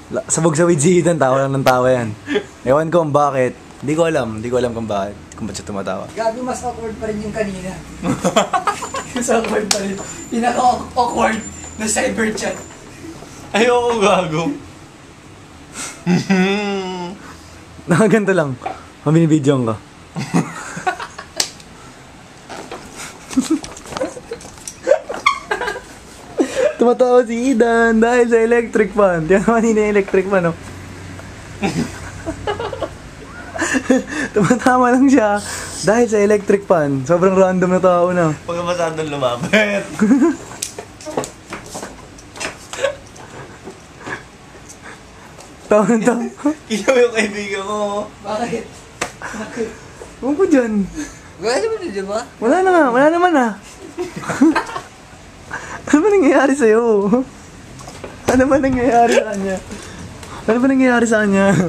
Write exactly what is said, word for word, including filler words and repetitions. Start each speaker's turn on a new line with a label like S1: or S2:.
S1: La- Sabog sa with si Idan, tawa lang ng tawa yan. Ewan ko kung bakit. Hindi ko alam, hindi ko alam kung bakit. Kung ba't siya tumatawa.
S2: Gabi, mas awkward pa rin yung kanina. Mas awkward pa rin. Pinaka-awkward na cyber chat.
S3: Ayoko gago.
S1: Nakaganto lang. Mabinibidyoan ka. Tumatawa si Idan dahil sa electric fan. Tiyan naman yun yung electric fan, no? Tumatawa lang siya dahil sa electric fan. Sobrang random na tao na.
S3: Pagka masyadong lumapit.
S1: Tawa na tawa.
S3: Ilaw yung kaibigan ko.
S2: Bakit? Bakit?
S1: Huwag ko dyan.
S2: Gaya mo na, di ba?
S1: Wala na nga, wala naman ah. Ano ba nangyayari sa'yo? Ano ba nangyayari sa kanya? Ano ba nangyayari sa kanya?